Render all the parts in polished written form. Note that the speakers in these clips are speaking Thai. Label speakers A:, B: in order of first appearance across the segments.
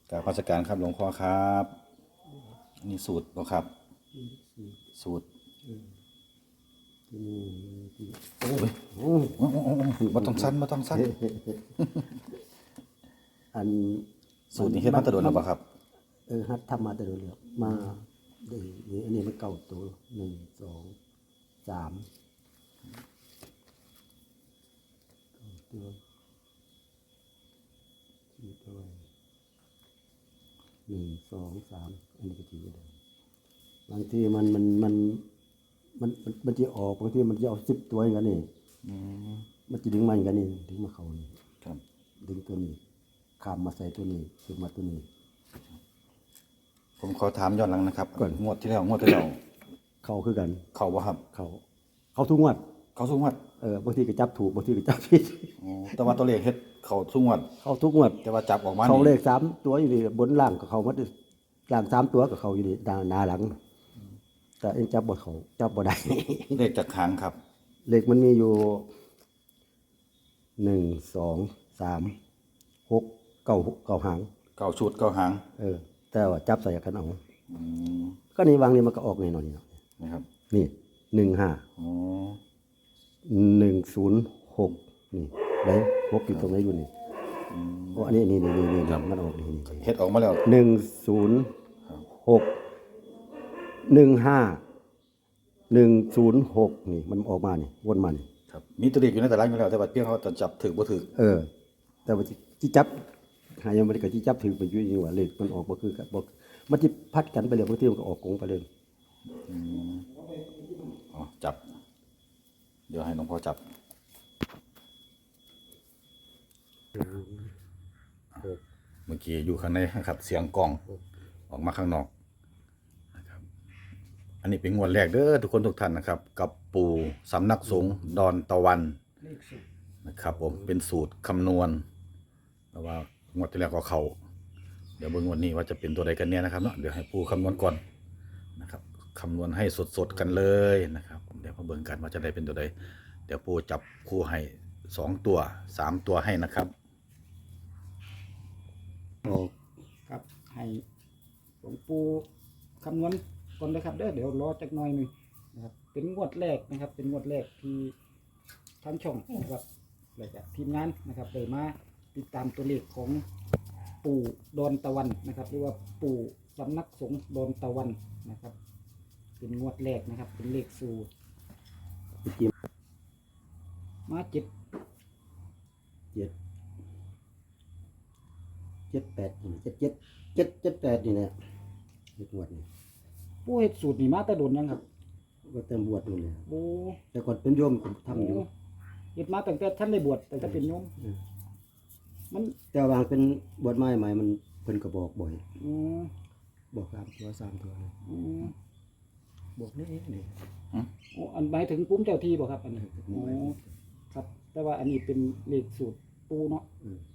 A: กราบนมัสการครับหลวงพ่อครับนี่สูตรบ่ครับสูตรโอ้ยบ่ต้องสั้นบ่ต้องสั้น
B: อัน
A: สูตรนี้เฮ็ดมาแตะโดนแล้วบ่ครับ
B: ฮัดทำมาแต่โดนแล้วมาอันนี้มันเก่าตัว1 2 3ตัว4ตัว1 2 3อันนี้ก็ถือได้บางทีมันจะออกบางทีมันจะเอา10ตัวอย่างนี้มันจะดึงมาอย่างนี้ดึงมาเข้านี่
A: ครับ
B: ดึงตัวนี้ข้ามมาใส่ตัวนี้ขึ้นมาตัวนี้
A: ผมขอถามย้อนหลังนะครับก่อนงวดที่แล้ว
B: เข้าคือกัน
A: เข้าบ่ครับ
B: เข้าทุกงวด
A: เข้าทุกงวด
B: บางทีก็จับถูกบางทีก็จับผิด
A: อ๋อแต่ว่าตัวเลขเฮ็ดเข้าทุกงวด
B: เข้าทุกงวด
A: แต่ว่าจับออกมา
B: เข้าเลข3ตัวอยู่นี่บนล่างก็เข้าหมดล่าง3ตัวก็เข้าอยู่นี่หน้าหลังแต่เอ็นจับบ่เข้าจับบ่ได้
A: เลขจากหางครับ
B: เลขมันมีอยู่1 2 3 6 9หาง
A: 9ชุด9หาง
B: แต่ว่าจับใส่กันเอาก็นี่วางนี่มันก็ออกแน่นอนนี่
A: นะครับ
B: นี่15
A: อ๋อ
B: 106นี่ได้6อยู่ตรงไหนอยู่นี่อันนี้นี่มันออกนี่
A: เฮ็ดออกมาแล้ว
B: 106 15 106นี่มันออกมานี่วนมานี่
A: ครับมีตัวเลขอยู่ในตารางอยู่แล้วแต่ว่าเพียงเขาจะจับถูกบ่ถูก
B: แต่ว่าที่จับหายังบ่ได้ก็ที่จับถูกไปอยู่นี่ว่าเลขมันออกบ่คือกันบ่มันสิพัดกันไปเลยบางทีมันก็ออกกงไปเลย
A: อ๋อจับเดี๋ยวให้หลวงพ่อจับเมื่อกี้อยู่ข้างในครับเสียงกลองออกมาข้างนอกนะครับอันนี้เป็นงวดแรกเด้อทุกคนทุกท่านนะครับกับปู่สำนักสงฆ์ดอนตะวันนะครับผมเป็นสูตรคำนวณแต่ว่างวดที่แล้วก็เข้าเดี๋ยวเบิ่งงวดนี้ว่าจะเป็นตัวใดกันเนี่ยนะครับเนาะเดี๋ยวให้ปู่คำนวณก่อนนะครับคำนวณให้สดๆกันเลยนะครับเดี๋ยวมาเบิ่งกันว่าจะได้เป็นตัวใดเดี๋ยวปู่จับคู่ให้2ตัว3ตัวให้นะครับ
C: ครับให้หลวงปู่คำนวณก่อนนะครับเดี๋ยวรอจักหน่อยนึงนะครับเป็นงวดแรกนะครับเป็นงวดแรกที่ทางช่องนะครับและจากทีมงานนะครับได้มาติดตามตัวเลขของปู่ดอนตะวันนะครับหรือว่าปู่สำนักสงฆ์ดอนตะวันนะครับเป็นงวดแรกนะครับเป็นเลขสูตรมา7
B: 8นี่7 นี่แหละเลขงวดนี่
C: ปู่เฮ็ดสูตรนี่มาแต่โดนยังครับ
B: ก็เต็มบวชนู่นเลย
C: โอ้
B: แต่ก่อนเป็นโยมผมทำอยู่
C: เฮ็ดมาตั้งแต่ท่านได้บวชแต่ถ้าเป็นโยมมัน
B: แต่ว่าเป็นบวชใหม่มันเพิ่นก็บอกบ่อยบอก3 ตัวเลยบอกนี่
C: โอ้อันหมายถึงปุ้มเจ้าที่บ่ครับอันนี้โอ้ครับแต่ว่าอันนี้เป็นเลขสูตรปูเนาะ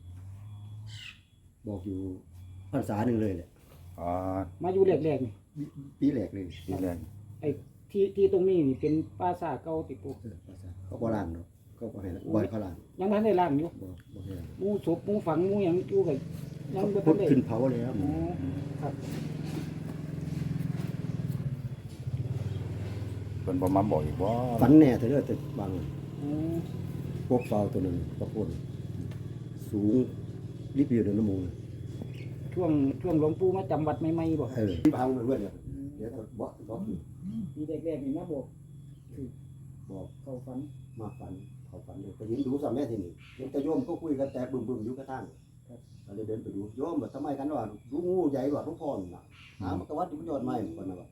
B: บอกอยู่พรรษาหนึ่งเลยแหละ
C: มาอยู่แรกๆนี่
B: ปีแรกเลย
A: ปีแรก
C: ไอ้ที่ตรงนี้นี่เป็นปราสาทเก่าติปู
B: เขาบ่ล้างเนาะเขาบ่ให้บ่ให้เขาล้าง
C: ยังบ่ทันได้ล้างอยู่
B: บ่ให้ล้าง
C: หมู่ศพหมู่ฝังหมู่หยังอยู่ก็ยังบ่ทั
B: น
C: ได้
B: ขึ้นเผาแล้ว
C: ครับ
A: เพิ่นบ่มาบอกอีกบ่
B: ฝันแน่แต่เด้อแต่บางพวกเฝ้าตัวนึงตะโกนสูงรีบอยู่ในน้ำมูก
C: ช่วงหลวงปู่มาจำวัดใหม่ๆบ่
B: ที่พังเรื่อยๆเดี๋ยวบอก
C: ปีแรกๆนี่มาบอกเข้าฝัน
B: มาฝันเขาฝันเลยไปเห็นดูสามแม่ที่นี่เห็นแต่โยมก็คุยกันแต่บึ้มๆอยู่กระทั่งก็เลยเดินไปดูโยมแบบทำไมกันว่าดูงูใหญ่กว่าทุกคนน่ะมันกวัดอยู่ยอดไม้คนน่ะ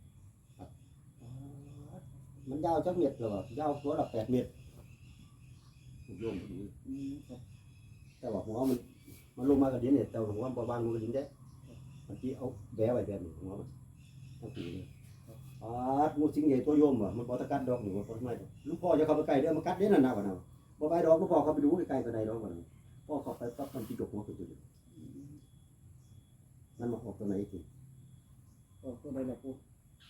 B: มันยาวจักเม็ดเลยว่ายาวตัวละ8 เมตรโยมดูแต่ว่าหัวมันลงมากระดิ่งเนี่ยแต่หัวมันบางมันกระดิ่งได้มันที่เอาแบะไว้แบบนี้หัวมันทั้งปีเลยงูสิงใหญ่ตัวโยมมันบ่ตะกัดดอกหนูบ่ไม่ลูกพ่อจะเข้าไปใกล้เด้อมันกัดเด้นั่นน่ะว่าน่ะบ่ไปดอกลูกพ่อเข้าไปดูใกล้ๆก็ได้ดอกว่าพ่อเข้าไปปั๊บมันสิจกหัวขึ้นตัวมันมาออกตัวไหนสิ
C: ออกตัวใดล่ะปู่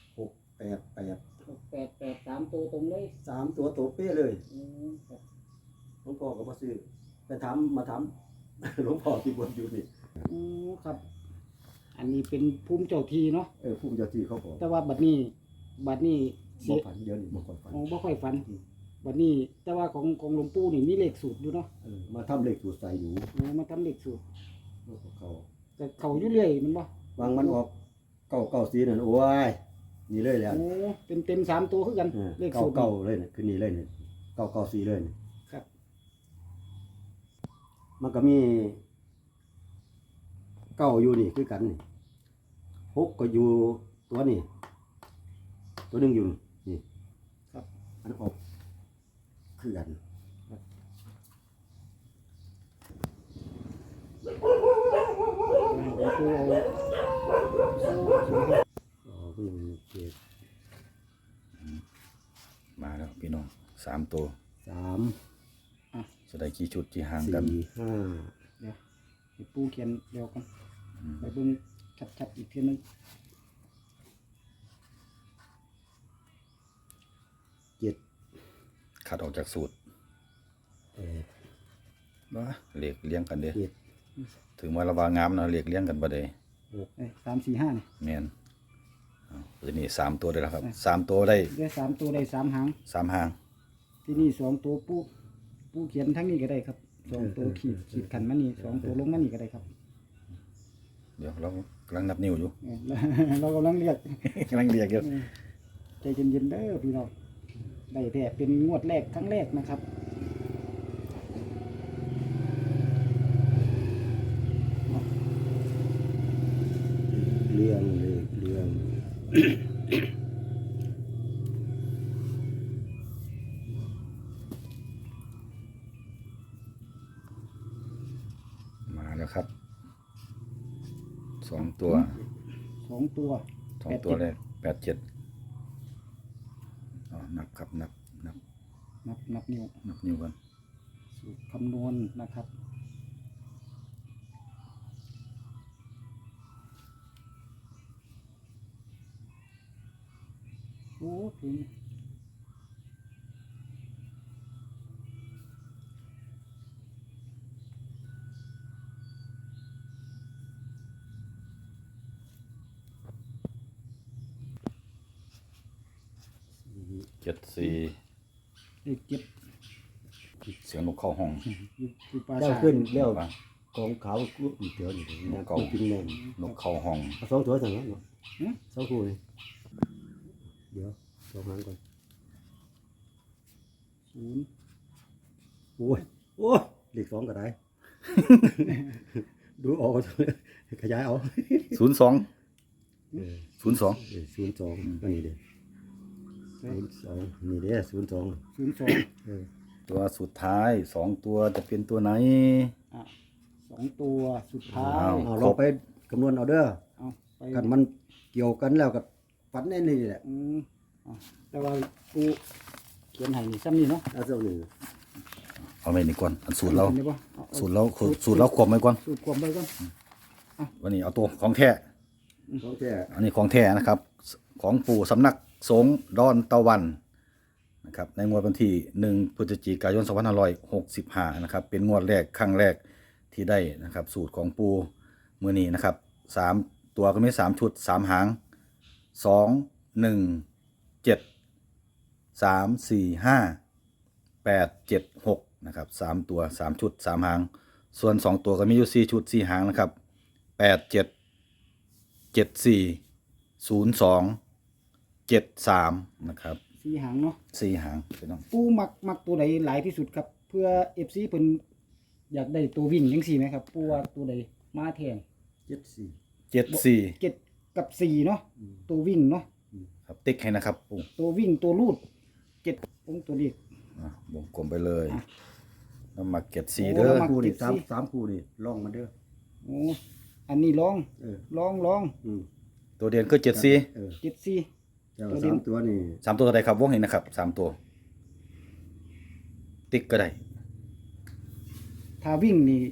B: 688
C: 3ตัวตรงเลย
B: 3ตัวโตเป๊ะเลย
C: ครับ
B: หลวงพ่อก็บ่ซื้อไปมาถามหลวงพ่อที่บวชอยู่นี่
C: ครับอันนี้เป็นภูมิเจ้าที่เนาะ
B: ผู้เจ้าที่เขาบอก
C: แต่ว่าบัดนี้
B: บ่
C: เสีย
B: ฝันเดี๋ยวนี้บ่ค่อยฝัน
C: โอ้บ่ค่อยฝันบัดนี้แต่ว่าของหลวงปู่นี่มีเลขสูตรอยู่เนาะ
B: มาทำเลขสูตรใส่อยู่
C: โอ้มาทำเลขสูตร
B: เขา
C: แต่เขาอยู่เรื่อยแมันบ่
B: วางมันออก994นั่นโอ้ยนี่เลยแหละ
C: โอ้เป็นเต็ม3ตัวคือกันเลขสูตร
B: เก้าเลยนี่คือนี่เลยนี่994เลยนี่
C: ครับ
B: มันก็มีเก้าอยู่นี่คือกันนี่6ก็อยู่ตัวนี่ตัวหนึงอยู่นี่
C: ครับ
B: อันออกคือกัน
C: หลวงปู่เอา
B: อ๋อก็ยังเจ็ด
A: มาแล้วพี่น้อง3ตัว
B: 3
A: จะได้กี่ชุดกี่หางกัน
B: 4 5
C: เดี๋ยวให้ปู่เขียนเดี๋ยวกันไปเบิ่งชัดๆอีกทีนึง
B: 7
A: คัดออกจากสูตร
B: 8
A: ว่าเลขเลี้ยงกันเด้
B: 7
A: ถึงว่าระวางงามเนาะเลขเลี้ยงกันบ่ได้
C: 3 4 5นี่
A: แม่นตัวนี้3ตัวได้แล้วครับ3ตัวได้
C: ได้3ตัวได้3หาง
A: 3หาง
C: ที่นี่2ตัวปู่เขียนทั้งนี้ก็ได้ครับ2ตัวขีดขันมานี่2ตัวลงมานี่ก็ได้ครับ
A: เดี๋ยวเรากำลังนับนิ้วอยู่
C: เรากำลังเรียก
A: กำลังเรียกอยู่
C: ใจเย็นๆเด้อพี่น้องได้แต่เป็นงวดแรกครั้งแรกนะครับ
B: เรื่องเลยเรื่อง
A: มาแล้วครับ2ตัว
C: 2ตัว
A: 2ตัวแรก87อ๋อนับครับนับ
C: นับนิ้ว
A: นับนิ้วกัน
C: สูตรคำนวณนะครับโอ้เพลง
A: 74
C: เลข7
A: เสียงนกเข้าห้อง
C: อยู่ปรา
B: เจ้า
C: สาท
B: ขึ้นเลี้ยวของขาวกูอีกเดี๋ยวนี่นะกูกินแม่น
A: นกเข้าห้อง
B: เอา2ตัวสั่งแล้วเนาะ2คู่นี่เดี๋ยว2หางก่อน
C: 0
B: โอ้ยเลข2ก็ได้ ดูออกขยายเอา
A: 02
B: เออ
A: 02
B: 02อันนี้เด้02นี่เด้02
C: 02
B: เออ
A: ตัวสุดท้าย2ตัวจะเป็นตัวไหน
C: อ่ะ2ตัวสุดท้าย
A: อ้าว
B: เอาลองไปคำนวณเอาเด้อ
C: เอาไป
B: กันมันเกี่ยวกันแล้วก็ฝันในนี่แหละ
C: อ่ะแต่ว่าปูเขียนให้นี่ซ้ำนี่เนาะ
B: เอาเจ้าหนึ่ง
A: เอาไว้นี่ก่อนอันสูตรเรา
C: ห็นได้บ่เอา
A: สูตรเราควบไว้ก่อน
C: สูตรความไปก่อน
A: วันนี้เอาตัวของแท้
B: ของแท้
A: อันนี้ของแท้นะครับ ของปู่สำนักสงฆ์ดอนตะวันนะครับในงวดวันที่1พฤศจิกายน2565นะครับเป็นงวดแรกครั้งแรกที่ได้นะครับสูตรของปู่มื้อนี้นะครับ3ตัวก็มี3ชุด3หาง2 1 7 3 4 5 8 7 6นะครับ3ตัว3ชุด3หางส่วน2ตัวก็มีอยู่4ชุด4หางนะครับ8 7 7 4 0 2 7 3นะครับ
C: 4หางเนาะ
A: 4หางพี่น้อง
C: ปูมักตัวใดหลายที่สุดครับ เพื่อ FC เพิ่นอยากได้ตัววิ่งจังซี่ไหมครับปูว่าตัวใดมาแทน
B: 74
A: 7 4
C: 7กับ4เนาะตัววิ่งเนาะ
A: ครับติ๊กให้นะครับปู่
C: ตัววิ่งตัวลูด7องตัวเลข
A: วงกลมไปเลยแล้วมาเก็ต4
C: โอ้
A: เด้อ
C: แล้วมา
B: คู่นี่
C: เก็บสิ
B: สามคู่นี่ลองมาเด้อ
C: โอ้อันนี้ลอง
B: เออ
C: ลอง
B: อืม
A: ตัวเด่นคือ7 4
B: เออ
C: 74
B: เจ้าสามตัวนี่
A: 3ตัวเท่าใดครับวงนี้นะครับ3ตัว ติ๊กก็ได้
C: ถ้าวิ่งนี่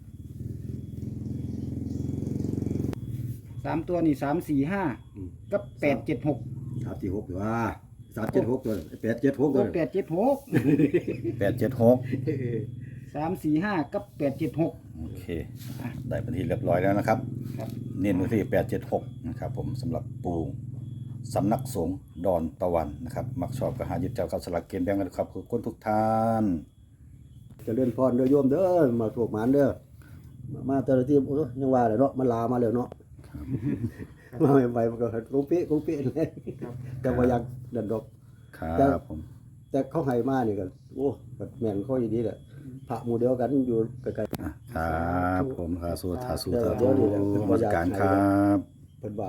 C: 3ตัวนี่3 4 5กับ8 7 6
B: 346ตัว376ตัว876ตัว
C: 8 7 6
A: 8 7 6
C: 3 4 5กับ8 7 6
A: โอเคได้เป็นที่เรียบร้อยแล้วนะครับ
C: ครับ
A: เน้นไว้ที่876นะครับผมสำหรับปูสำนักสงฆ์ดอนตะวันนะครับมักชอบก็หาหยิบจับกับสลักเกณฑ์แบงกันครับขอบคุณทุกท่าน
B: เจะเล่นพรเด้อโยมเด้อมาโชคหมานเด้อมาแต่ละที่โอ้ยยังว่าเลยเนาะมันลามาแล้วเนาะมาใหม่ๆมันก็กุ้งเป๊ะเลยแต่ว่าอยากเดินดอก
A: ครับผม
B: แต่เขาให้มานี่ก็โอ้ก็แม่นเขาอย่างนี้แหละพระหมู่เดียวกันอยู่ไกล
A: ครับผมสาธุสาธุสา
B: เดี๋
A: ธุ
B: ยวนี้แหละเป็น
A: นมัสการครับ
B: ๆเพิ่นว่า